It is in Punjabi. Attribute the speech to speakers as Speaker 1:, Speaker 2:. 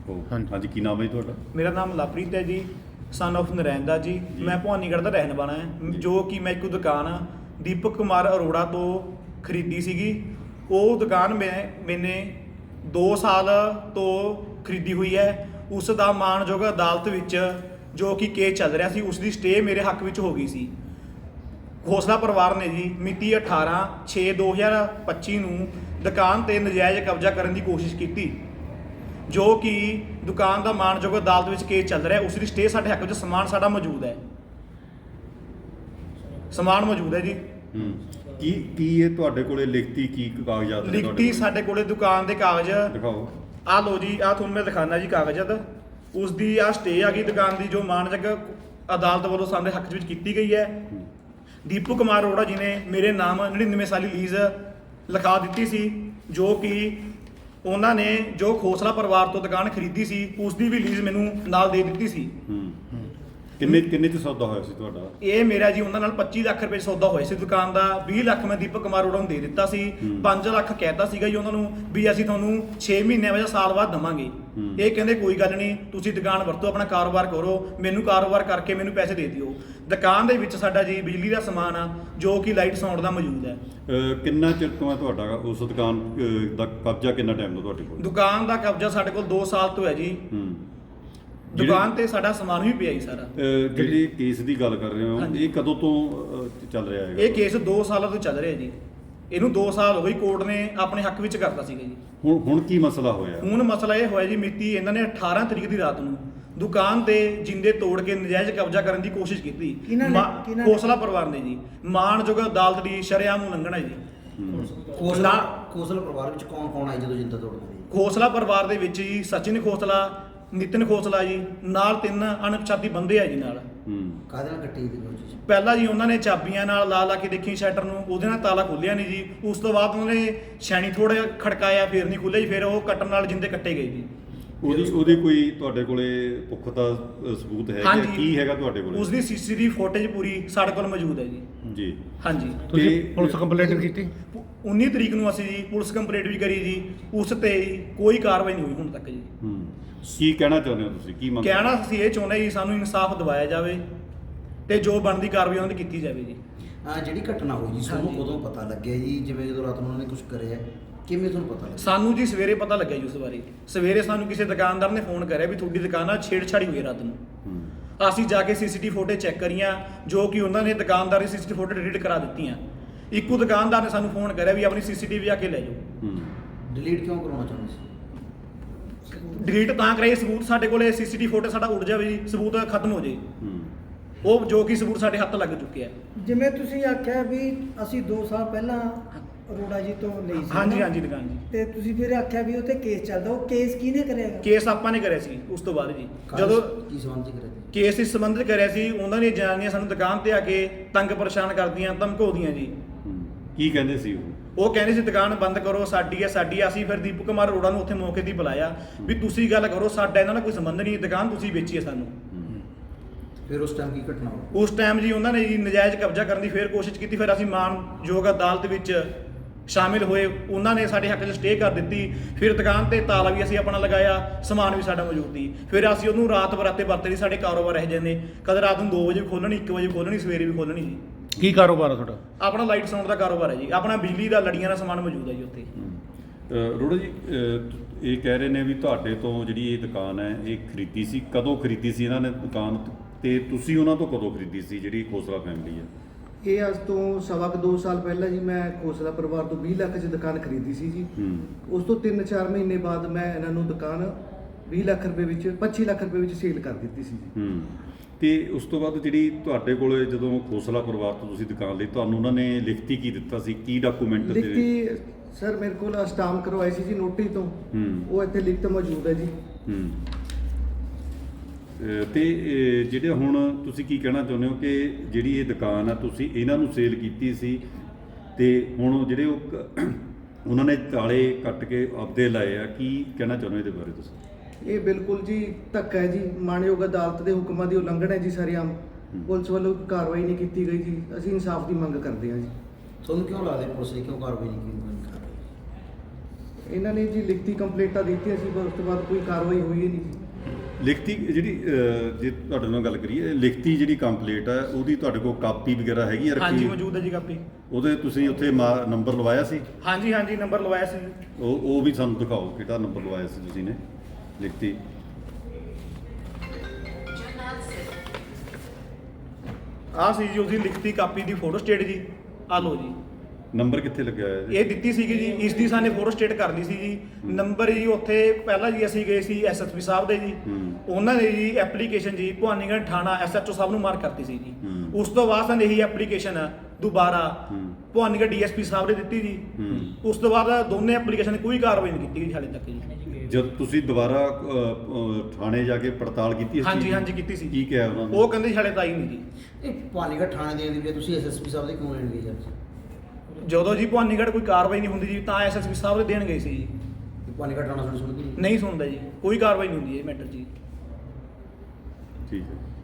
Speaker 1: हाँ जी, की नाम है ਤੁਹਾਡਾ?
Speaker 2: मेरा नाम लवप्रीत है जी, सन ऑफ नरैन ਦਾ ਜੀ। ਮੈਂ ਭਵਾਨੀਗੜ੍ਹ ਦਾ ਰਹਿਣ ਵਾਲਾ ਹਾਂ, ਜੋ ਕਿ ਮੈਂ ਇੱਕ ਦੁਕਾਨ ਦੀਪਕ ਕੁਮਾਰ ਅਰੋੜਾ ਤੋਂ ਖਰੀਦੀ ਸੀਗੀ। ਉਹ ਦੁਕਾਨ ਮੈਨੇ 2 ਸਾਲ ਤੋਂ ਖਰੀਦੀ ਹੋਈ ਹੈ। ਉਸ ਦਾ ਮਾਣਯੋਗ ਅਦਾਲਤ ਵਿੱਚ ਜੋ ਕਿ ਕੇਸ ਚੱਲ ਰਿਹਾ ਸੀ, ਉਸ ਦੀ ਸਟੇ ਮੇਰੇ ਹੱਕ ਵਿੱਚ ਹੋ ਗਈ ਸੀ। ਖੋਸਲਾ ਪਰਿਵਾਰ ਨੇ ਜੀ ਮਿਤੀ 18/6/2025 ਨੂੰ ਦੁਕਾਨ ਤੇ ਨਜਾਇਜ਼ ਕਬਜ਼ਾ ਕਰਨ ਦੀ ਕੋਸ਼ਿਸ਼ ਕੀਤੀ, ਜੋ ਕਿ ਦੁਕਾਨ ਦਾ ਮਾਣਯੋਗ ਅਦਾਲਤ ਵਿੱਚ ਕੇਸ ਚੱਲ ਰਿਹਾ। ਉਸ ਦੀ ਸਟੇ ਸਾਡੇ ਹੱਕ ਵਿੱਚ ਸਮਾਨ ਸਾਡਾ ਮੌਜੂਦ ਹੈ, ਸਮਾਨ ਮੌਜੂਦ ਹੈ ਜੀ।
Speaker 1: ਕੀ ਇਹ ਤੁਹਾਡੇ ਕੋਲੇ ਲਿਖਤੀ ਕੀ ਕਾਗਜ਼ਾਤ ਨੇ?
Speaker 2: ਲਿਖਤੀ ਸਾਡੇ ਕੋਲੇ ਦੁਕਾਨ ਦੇ ਕਾਗਜ਼
Speaker 1: ਦਿਖਾਓ।
Speaker 2: ਆ ਲੋ ਜੀ, ਆ ਤੁਹਾਨੂੰ ਮੈਂ ਦਿਖਾਣਾ ਜੀ ਕਾਗਜ਼ਾਤ। ਉਸ ਦੀ ਆ ਸਟੇ ਆ ਗਈ ਦੁਕਾਨ ਦੀ, ਜੋ ਮਾਣਯੋਗ ਅਦਾਲਤ ਵੱਲੋਂ ਸਾਡੇ ਹੱਕ ਵਿੱਚ ਕੀਤੀ ਗਈ ਹੈ। ਦੀਪਕ ਕੁਮਾਰ ਅਰੋੜਾ ਜੀ ਨੇ ਮੇਰੇ ਨਾਮ 99 ਸਾਲੀ ਲੀਜ਼ ਲਿਖਾ ਦਿੱਤੀ ਸੀ, ਜੋ ਕਿ ਉਹਨਾਂ ਨੇ ਜੋ ਖੋਸਲਾ ਪਰਿਵਾਰ ਤੋਂ ਦੁਕਾਨ ਖਰੀਦੀ ਸੀ, ਉਸ ਦੀ ਵੀ ਲੀਜ਼ ਮੈਨੂੰ ਨਾਲ ਦੇ ਦਿੱਤੀ ਸੀ।
Speaker 1: ਕਿੰਨੇ ਚ ਸੌਦਾ ਹੋਇਆ ਸੀ ਤੁਹਾਡਾ?
Speaker 2: ਇਹ ਮੇਰਾ ਜੀ ਉਹਨਾਂ ਨਾਲ 25 ਲੱਖ ਰੁਪਏ ਸੌਦਾ ਹੋਇਆ ਸੀ ਦੁਕਾਨ ਦਾ। 20 ਲੱਖ ਮੈਂ ਦੀਪਕ ਕੁਮਾਰ ਅਰੋੜਾ ਨੂੰ ਦੇ ਦਿੱਤਾ ਸੀ। 5 ਲੱਖ ਕਹਿਤਾ ਸੀਗਾ ਜੀ ਉਹਨਾਂ ਨੂੰ ਵੀ ਅਸੀਂ ਤੁਹਾਨੂੰ 6 ਮਹੀਨੇ ਜਾਂ ਸਾਲ ਬਾਅਦ ਦਵਾਂਗੇ। ਇਹ ਕਹਿੰਦੇ ਕੋਈ ਗੱਲ ਨਹੀਂ, ਤੁਸੀਂ ਦੁਕਾਨ ਵਰਤੋ, ਆਪਣਾ ਕਾਰੋਬਾਰ ਕਰੋ, ਮੈਨੂੰ ਕਾਰੋਬਾਰ ਕਰਕੇ ਮੈਨੂੰ ਪੈਸੇ ਦੇ ਦਿਓ। ਦੁਕਾਨ ਦੇ ਵਿੱਚ ਸਾਡਾ ਜੀ ਬਿਜਲੀ ਦਾ ਸਮਾਨ ਆ, ਜੋ ਕਿ ਲਾਈਟ ਸਾਊਂਡ ਦਾ ਮੌਜੂਦ ਹੈ।
Speaker 1: ਕਿੰਨਾ ਚਿਰ ਤੋਂ ਹੈ ਤੁਹਾਡਾ ਉਸ ਦੁਕਾਨ ਦਾ ਕਬਜ਼ਾ? ਕਿੰਨਾ ਟਾਈਮ ਤੋਂ ਤੁਹਾਡੇ ਕੋਲ?
Speaker 2: ਦੁਕਾਨ ਦਾ ਕਬਜ਼ਾ ਸਾਡੇ ਕੋਲ 2 ਸਾਲ ਤੋਂ ਹੈ ਜੀ। ਦੁਕਾਨ ਤੇ ਸਾਡਾ ਸਮਾਨ ਵੀ ਪਿਆ ਜੀ ਸਾਰਾ।
Speaker 1: ਜਿਹੜੇ ਕੇਸ ਦੀ ਗੱਲ ਕਰ ਰਹੇ ਹੋ, ਇਹ ਕਦੋਂ ਤੋਂ ਚੱਲ ਰਿਹਾ ਹੈ?
Speaker 2: ਇਹ ਕੇਸ 2 ਸਾਲਾਂ ਤੋਂ ਚੱਲ ਰਿਹਾ ਜੀ। ਇਹਨੂੰ 2 ਸਾਲ ਹੋ ਗਏ, ਕੋਰਟ ਨੇ ਆਪਣੇ ਹੱਕ ਵਿੱਚ ਕਰਤਾ ਸੀਗਾ ਜੀ।
Speaker 1: ਹੁਣ ਕੀ ਮਸਲਾ ਹੋਇਆ?
Speaker 2: ਹੁਣ ਮਸਲਾ ਇਹ ਹੋਇਆ ਜੀ, ਮਿਤੀ ਇਹਨਾਂ ਨੇ 18 ਤਰੀਕ ਦੀ ਰਾਤ ਨੂੰ ਦੁਕਾਨ ਤੇ ਜਿੰਦੇ ਤੋੜ ਕੇ ਨਜਾਇਜ਼ ਕਬਜ਼ਾ ਕਰਨ ਦੀ ਕੋਸ਼ਿਸ਼ ਕੀਤੀ। ਖੋਸਲਾ ਪਰਿਵਾਰ ਨੇ ਜੀ। ਮਾਣਯੋਗ ਅਦਾਲਤ ਦੀ ਸ਼ਰੇਆਮ ਉਲੰਘਣਾ ਹੈ ਜੀ।
Speaker 3: ਖੋਸਲਾ ਪਰਿਵਾਰ ਵਿੱਚ ਕੌਣ ਆਏ ਜਦੋਂ ਜਿੰਦਾ ਤੋੜਦੇ?
Speaker 2: ਖੋਸਲਾ ਪਰਿਵਾਰ ਦੇ ਵਿੱਚ ਜੀ ਸਚਿਨ ਖੋਸਲਾ, ਨਿਤਿਨ ਖੋਸਲਾ ਜੀ, ਨਾਲ 3 ਅਣਪਛਾਤੀ ਬੰਦੇ ਆ ਜੀ ਨਾਲ।
Speaker 3: ਕਾਹਦੇ ਨਾਲ ਕੱਟੀ ਦੀ ਕੋਸ਼ਿਸ਼?
Speaker 2: ਪਹਿਲਾਂ ਜੀ ਉਹਨਾਂ ਨੇ ਚਾਬੀਆਂ ਨਾਲ ਲਾ ਕੇ ਦੇਖੀ ਸ਼ਟਰ ਨੂੰ, ਉਹਦੇ ਨਾਲ ਤਾਲਾ ਖੋਲਿਆ ਨਹੀਂ ਜੀ। ਉਸ ਤੋਂ ਬਾਅਦ ਉਹਨਾਂ ਨੇ ਛੈਣੀ ਥੋੜਾ ਖੜਕਾਇਆ, ਫਿਰ ਨਹੀਂ ਖੁੱਲਿਆ ਜੀ। ਫਿਰ ਉਹ ਕੱਟਣ ਨਾਲ ਜਿੰਦੇ ਕੱਟੇ ਗਏ ਜੀ।
Speaker 1: ਉਹਦੀ ਕੋਈ ਤੁਹਾਡੇ ਕੋਲੇ ਪੁਖਤਾ ਸਬੂਤ ਹੈ ਕਿ ਕੀ ਹੈਗਾ ਤੁਹਾਡੇ ਕੋਲੇ?
Speaker 2: ਉਸ ਦੀ ਸੀਸੀਟੀਵੀ ਫੁਟੇਜ ਪੂਰੀ ਸਾਡੇ ਕੋਲ ਮੌਜੂਦ ਹੈ ਜੀ।
Speaker 1: ਜੀ
Speaker 2: ਹਾਂਜੀ।
Speaker 4: ਤੁਸੀਂ ਪੁਲਿਸ ਕੰਪਲੇਂਟ ਕੀਤੀ?
Speaker 2: 19 ਤਰੀਕ ਨੂੰ ਅਸੀਂ ਜੀ ਪੁਲਿਸ ਕੰਪਲੇਂਟ ਵੀ ਕਰੀ ਜੀ। ਉਸ ਤੇ ਕੋਈ ਕਾਰਵਾਈ ਨਹੀਂ ਹੋਈ ਹੁਣ ਤੱਕ ਜੀ।
Speaker 1: ਕੀ ਕਹਿਣਾ ਚਾਹੁੰਦੇ ਹੋ ਤੁਸੀਂ? ਕੀ ਮੰਗ
Speaker 2: ਕਹਿਣਾ ਅਸੀਂ ਇਹ ਚਾਹੁੰਦੇ ਜੀ, ਸਾਨੂੰ ਇਨਸਾਫ ਦਿਵਾਇਆ ਜਾਵੇ ਤੇ ਜੋ ਬਣਦੀ ਕਾਰਵਾਈ ਉਹਨਾਂ ਦੀ ਕੀਤੀ ਜਾਵੇ ਜੀ।
Speaker 3: ਜਿਹੜੀ ਘਟਨਾ ਹੋਈ ਜੀ, ਤੁਹਾਨੂੰ ਕਦੋਂ ਪਤਾ ਲੱਗਿਆ ਜੀ? ਜਿਵੇਂ ਜਦੋਂ ਰਾਤ ਨੂੰ ਉਹਨਾਂ ਨੇ ਕੁਝ ਕਰਿਆ, ਕਿਵੇਂ ਤੁਹਾਨੂੰ ਪਤਾ ਲੱਗਿਆ?
Speaker 2: ਸਾਨੂੰ ਜੀ ਸਵੇਰੇ ਪਤਾ ਲੱਗਿਆ ਜੀ ਉਸ ਬਾਰੇ। ਸਵੇਰੇ ਸਾਨੂੰ ਕਿਸੇ ਦੁਕਾਨਦਾਰ ਨੇ ਫੋਨ ਕਰਿਆ ਵੀ ਤੁਹਾਡੀ ਦੁਕਾਨ ਨਾਲ ਛੇੜਛਾੜੀ ਹੋਈ ਰਾਤ ਨੂੰ। ਅਸੀਂ ਜਾ ਕੇ ਸੀਸੀਟੀਵੀ ਫੁਟੇਜ ਚੈੱਕ ਕਰੀਆਂ, ਜੋ ਕਿ ਉਹਨਾਂ ਨੇ ਦੁਕਾਨਦਾਰ ਦੀ ਸੀਸੀਟੀਵੀ ਫੁਟੇਜ ਡਿਲੀਟ ਕਰਾ ਦਿੱਤੀਆਂ। ਇੱਕੋ ਦੁਕਾਨਦਾਰ ਨੇ ਸਾਨੂੰ ਫੋਨ ਕਰਿਆ ਵੀ ਆਪਣੀ ਸੀਸੀਟੀਵੀ ਆ ਕੇ ਲੈ ਜਾਓ।
Speaker 3: ਡਿਲੀਟ ਕਿਉਂ ਕਰਾਉਣਾ ਚਾਹੁੰਦੇ ਸੀ?
Speaker 2: ਡਿਲੀਟ ਤਾਂ ਕਰਾਈ, ਸਬੂਤ ਸਾਡੇ ਕੋਲੇ ਸੀਸੀਟੀਵੀ ਫੁਟੇਜ ਸਾਡਾ ਉੱਡ ਜਾਵੇ ਜੀ, ਸਬੂਤ ਖਤਮ ਹੋ ਜੇ। ਉਹ ਜੋ ਕਿ ਸਬੂਤ ਸਾਡੇ ਹੱਥ ਲੱਗ ਚੁੱਕੇ ਆ।
Speaker 5: ਜਿਵੇਂ ਤੁਸੀਂ ਆਖਿਆ ਵੀ ਅਸੀਂ 2 ਸਾਲ ਪਹਿਲਾਂ ਅਰੋੜਾ ਜੀ ਤੋਂ ਲਈ ਸੀ।
Speaker 2: ਹਾਂਜੀ ਦੁਕਾਨ ਜੀ।
Speaker 5: ਤੇ ਤੁਸੀਂ ਫਿਰ ਆਖਿਆ ਵੀ ਉੱਥੇ ਕੇਸ ਚੱਲਦਾ, ਉਹ ਕੇਸ ਕਿਹਨੇ ਕਰਿਆ?
Speaker 2: ਕੇਸ ਆਪਾਂ ਨੇ ਕਰਿਆ ਸੀ। ਉਸ ਤੋਂ ਬਾਅਦ ਜੀ ਜਦੋਂ
Speaker 3: ਕੀ ਸੰਬੰਧ ਕਰਿਆ?
Speaker 2: ਕੇਸ ਇਸ ਸੰਬੰਧਿਤ ਕਰਿਆ ਸੀ, ਉਹਨਾਂ ਦੀਆਂ ਜਨਾਨੀਆਂ ਸਾਨੂੰ ਦੁਕਾਨ ਤੇ ਆ ਕੇ ਤੰਗ ਪਰੇਸ਼ਾਨ ਕਰਦੀਆਂ, ਧਮਕਾਉਂਦੀਆਂ ਜੀ।
Speaker 1: ਕੀ ਕਹਿੰਦੇ ਸੀ
Speaker 2: ਉਹ ਕਹਿੰਦੇ ਸੀ ਦੁਕਾਨ ਬੰਦ ਕਰੋ, ਸਾਡੀ ਹੈ ਸਾਡੀ ਆ। ਅਸੀਂ ਫਿਰ ਦੀਪਕ ਕੁਮਾਰ ਅਰੋੜਾ ਨੂੰ ਉੱਥੇ ਮੌਕੇ 'ਤੇ ਬੁਲਾਇਆ ਵੀ ਤੁਸੀਂ ਗੱਲ ਕਰੋ, ਸਾਡਾ ਇਹਨਾਂ ਨਾਲ ਕੋਈ ਸੰਬੰਧ ਨਹੀਂ, ਦੁਕਾਨ ਤੁਸੀਂ ਵੇਚੀ ਹੈ ਸਾਨੂੰ।
Speaker 3: ਫਿਰ ਉਸ ਟਾਈਮ ਕੀ ਘਟਨਾ ਹੋਈ?
Speaker 2: ਉਸ ਟਾਈਮ ਜੀ ਉਹਨਾਂ ਨੇ ਜੀ ਨਜਾਇਜ਼ ਕਬਜ਼ਾ ਕਰਨ ਦੀ ਫਿਰ ਕੋਸ਼ਿਸ਼ ਕੀਤੀ। ਫਿਰ ਅਸੀਂ ਮਾਣਯੋਗ ਅਦਾਲਤ ਵਿੱਚ ਸ਼ਾਮਿਲ ਹੋਏ, ਉਹਨਾਂ ਨੇ ਸਾਡੇ ਹੱਕ 'ਚ ਸਟੇ ਕਰ ਦਿੱਤੀ। ਫਿਰ ਦੁਕਾਨ ਤੇ ਤਾਲਾ ਵੀ ਅਸੀਂ ਆਪਣਾ ਲਗਾਇਆ, ਸਮਾਨ ਵੀ ਸਾਡਾ ਮੌਜੂਦ ਸੀ। ਫਿਰ ਅਸੀਂ ਉਹਨੂੰ ਰਾਤ ਬਰਾਤੇ ਵਰਤੇ ਸਾਡੇ ਕਾਰੋਬਾਰ ਰਹਿ ਜਾਂਦੇ, ਕਦੇ ਰਾਤ ਨੂੰ 2 ਵਜੇ ਖੋਲਣੀ, 1 ਵਜੇ ਖੋਲਣੀ, ਸਵੇਰੇ ਵੀ ਖੋਲਣੀ ਜੀ।
Speaker 4: ਕੀ ਕਾਰੋਬਾਰ ਆ ਤੁਹਾਡਾ?
Speaker 2: ਆਪਣਾ ਲਾਈਟ ਸਾਊਂਡ ਦਾ ਕਾਰੋਬਾਰ ਹੈ ਜੀ। ਆਪਣਾ ਬਿਜਲੀ ਦਾ ਲੜੀਆਂ ਦਾ ਸਮਾਨ ਮੌਜੂਦ ਹੈ ਜੀ ਉੱਥੇ।
Speaker 1: ਅਰੋੜਾ ਜੀ, ਇਹ ਕਹਿ ਰਹੇ ਨੇ ਵੀ ਤੁਹਾਡੇ ਤੋਂ ਜਿਹੜੀ ਇਹ ਦੁਕਾਨ ਹੈ ਇਹ ਖਰੀਦੀ ਸੀ, ਕਦੋਂ ਖਰੀਦੀ ਸੀ ਇਹਨਾਂ ਨੇ ਦੁਕਾਨ, ਤੇ ਤੁਸੀਂ ਉਹਨਾਂ ਤੋਂ ਕਦੋਂ ਖਰੀਦੀ ਸੀ ਜਿਹੜੀ ਖੋਸਲਾ ਫੈਮਿਲੀ ਹੈ?
Speaker 6: ਇਹ ਅੱਜ ਤੋਂ 2 ਸਾਲ ਪਹਿਲਾਂ ਜੀ ਮੈਂ ਖੋਸਲਾ ਪਰਿਵਾਰ ਤੋਂ 20 ਲੱਖ 'ਚ ਦੁਕਾਨ ਖਰੀਦੀ ਸੀ ਜੀ। ਉਸ ਤੋਂ 3-4 ਮਹੀਨੇ ਬਾਅਦ ਮੈਂ ਇਹਨਾਂ ਨੂੰ ਦੁਕਾਨ 20 ਲੱਖ ਰੁਪਏ ਵਿੱਚ 25 ਲੱਖ ਰੁਪਏ ਵਿੱਚ ਸੇਲ ਕਰ ਦਿੱਤੀ ਸੀ ਜੀ।
Speaker 1: ਤੇ ਉਸ ਤੋਂ ਬਾਅਦ ਜਿਹੜੀ ਤੁਹਾਡੇ ਕੋਲੇ ਜਦੋਂ ਖੋਸਲਾ ਪਰਿਵਾਰ ਤੋਂ ਤੁਸੀਂ ਦੁਕਾਨ ਲਈ, ਤੁਹਾਨੂੰ ਉਹਨਾਂ ਨੇ ਲਿਖਤੀ ਕੀ ਦਿੱਤਾ ਸੀ? ਕੀ ਡਾਕੂਮੈਂਟ?
Speaker 6: ਲਿਖਤੀ ਸਰ ਮੇਰੇ ਕੋਲ ਸਟਾਂਪ ਕਰਵਾਈ ਸੀ ਜੀ ਨੋਟਰੀ ਤੋਂ। ਉਹ ਇੱਥੇ ਲਿਖਤ ਮੌਜੂਦ ਹੈ ਜੀ।
Speaker 1: ਤੇ ਜਿਹੜੇ ਹੁਣ ਤੁਸੀਂ ਕੀ ਕਹਿਣਾ ਚਾਹੁੰਦੇ ਹੋ ਕਿ ਜਿਹੜੀ ਇਹ ਦੁਕਾਨ ਆ ਤੁਸੀਂ ਇਹਨਾਂ ਨੂੰ ਸੇਲ ਕੀਤੀ ਸੀ, ਤੇ ਹੁਣ ਜਿਹੜੇ ਉਹਨਾਂ ਨੇ ਤਾਲੇ ਕੱਟ ਕੇ ਆਪਦੇ ਲਾਏ ਆ, ਕੀ ਕਹਿਣਾ ਚਾਹੁੰਦੇ ਹੋ ਇਹਦੇ ਬਾਰੇ ਤੁਸੀਂ?
Speaker 6: ਇਹ ਬਿਲਕੁਲ ਜੀ ਧੱਕਾ ਹੈ ਜੀ, ਮਾਣਯੋਗ ਅਦਾਲਤ ਦੇ ਹੁਕਮਾਂ ਦੀ ਉਲੰਘਣਾ ਹੈ ਜੀ। ਸਾਰੀਆਮ ਪੁਲਿਸ ਵੱਲੋਂ ਕਾਰਵਾਈ ਨਹੀਂ ਕੀਤੀ ਗਈ ਜੀ। ਅਸੀਂ ਇਨਸਾਫ ਦੀ ਮੰਗ ਕਰਦੇ ਹਾਂ ਜੀ।
Speaker 3: ਤੁਹਾਨੂੰ ਕਿਉਂ ਲੱਗਦਾ ਪੁਲਿਸ ਨੇ ਕਿਉਂ ਕਾਰਵਾਈ ਨਹੀਂ ਕੀਤੀ?
Speaker 6: ਇਹਨਾਂ ਨੇ ਜੀ ਲਿਖਤੀ ਕੰਪਲੇਂਟਾਂ ਦਿੱਤੀਆਂ ਸੀ ਪਰ ਉਸ ਤੋਂ ਬਾਅਦ ਕੋਈ ਕਾਰਵਾਈ ਹੋਈ ਹੀ ਨਹੀਂ ਜੀ।
Speaker 1: ਲਿਖਤੀ ਜਿਹੜੀ ਜੇ ਤੁਹਾਡੇ ਨਾਲ ਗੱਲ ਕਰੀਏ, ਲਿਖਤੀ ਜਿਹੜੀ ਕੰਪਲੀਟ ਹੈ ਉਹਦੀ ਤੁਹਾਡੇ ਕੋਲ ਕਾਪੀ ਵਗੈਰਾ ਹੈਗੀ ਆ
Speaker 2: ਹਾਂਜੀ
Speaker 1: ਰੱਖੀ?
Speaker 2: ਮੌਜੂਦ ਹੈ ਜੀ ਕਾਪੀ।
Speaker 1: ਉਹਦੇ ਤੁਸੀਂ ਉੱਥੇ ਨੰਬਰ ਲਵਾਇਆ ਸੀ?
Speaker 2: ਹਾਂਜੀ ਹਾਂਜੀ ਨੰਬਰ ਲਵਾਇਆ ਸੀ।
Speaker 1: ਉਹ ਵੀ ਸਾਨੂੰ ਦਿਖਾਓ, ਕਿਹੜਾ ਨੰਬਰ ਲਵਾਇਆ ਸੀ ਤੁਸੀਂ ਨੇ ਲਿਖਤੀ?
Speaker 2: ਆਹ ਸੀ ਜੀ ਉਹਦੀ ਲਿਖਤੀ ਕਾਪੀ ਦੀ ਫੋਟੋ ਸਟੇਟ ਜੀ। ਆ ਲਓ ਜੀ।
Speaker 1: ਨੰਬਰ ਕਿੱਥੇ ਲੱਗਿਆ ਹੋਇਆ ਜੀ?
Speaker 2: ਇਹ ਦਿੱਤੀ ਸੀਗੀ ਜੀ, ਇਸ ਦੀ ਸਾਨੇ ਫੋਟੋ ਸਟੇਟ ਕਰਨੀ ਸੀ ਜੀ। ਨੰਬਰ ਜੀ ਉੱਥੇ ਪਹਿਲਾਂ ਜੀ ਅਸੀਂ ਗਏ ਸੀ ਐਸਐਸਪੀ ਸਾਹਿਬ ਦੇ ਜੀ, ਉਹਨਾਂ ਨੇ ਜੀ ਐਪਲੀਕੇਸ਼ਨ ਜੀ ਭਵਾਨੀਗੜ੍ਹ ਥਾਣਾ ਐਸਐਚਓ ਸਾਹਿਬ ਨੂੰ ਮਾਰ ਕਰਤੀ ਸੀ ਜੀ। ਉਸ ਤੋਂ ਬਾਅਦ ਸਾਨੂੰ ਇਹੀ ਐਪਲੀਕੇਸ਼ਨ ਦੁਬਾਰਾ ਭਵਾਨੀਗੜ੍ਹ ਡੀਐਸਪੀ ਸਾਹਿਬ ਨੇ ਦਿੱਤੀ ਜੀ। ਉਸ ਤੋਂ ਬਾਅਦ ਦੋਨੇ ਐਪਲੀਕੇਸ਼ਨ ਕੋਈ ਕਾਰਵਾਈ ਨਹੀਂ ਕੀਤੀ ਗਈ ਹਾਲੇ ਤੱਕ ਜੀ।
Speaker 1: ਜਦ ਤੁਸੀਂ ਦੁਬਾਰਾ ਥਾਣੇ ਜਾ ਕੇ ਪੜਤਾਲ ਕੀਤੀ ਇਸ ਚੀਜ਼
Speaker 2: ਹਾਂਜੀ
Speaker 1: ਦੀ?
Speaker 2: ਹਾਂਜੀ ਕੀਤੀ ਸੀ।
Speaker 1: ਕੀ ਕਿਹਾ ਉਹਨਾਂ ਨੇ?
Speaker 2: ਉਹ ਕਹਿੰਦੇ ਹਾਲੇ ਤਾਂ ਹੀ ਨਹੀਂ ਜੀ।
Speaker 3: ਇਹ ਭਵਾਨੀਗੜ੍ਹ ਥਾਣੇ ਦੇਣ ਦੀ ਬਜਾਏ ਤੁਸੀਂ ਐਸਐਸਪੀ ਸਾਹਿਬ ਦੇ ਕਿਉਂ ਲੈਣ ਗਏ ਜੀ?
Speaker 2: ਜਦੋਂ ਜੀ ਭਵਾਨੀਗੜ੍ਹ ਕੋਈ ਕਾਰਵਾਈ ਨਹੀਂ ਹੁੰਦੀ ਜੀ ਤਾਂ ਐਸਐਸਪੀ ਸਾਹਿਬ ਦੇ ਦੇਣ ਗਏ ਸੀ ਜੀ।
Speaker 3: ਭਵਾਨੀਗੜ੍ਹ ਥਾਣਾ ਤੁਹਾਡੀ ਸੁਣਦੀ ਨਹੀਂ?
Speaker 2: ਨਹੀਂ ਸੁਣਦਾ ਜੀ, ਕੋਈ ਕਾਰਵਾਈ ਨਹੀਂ ਹੁੰਦੀ ਇਹ ਮੈਟਰ ਜੀ।
Speaker 1: ਠੀਕ ਹੈ।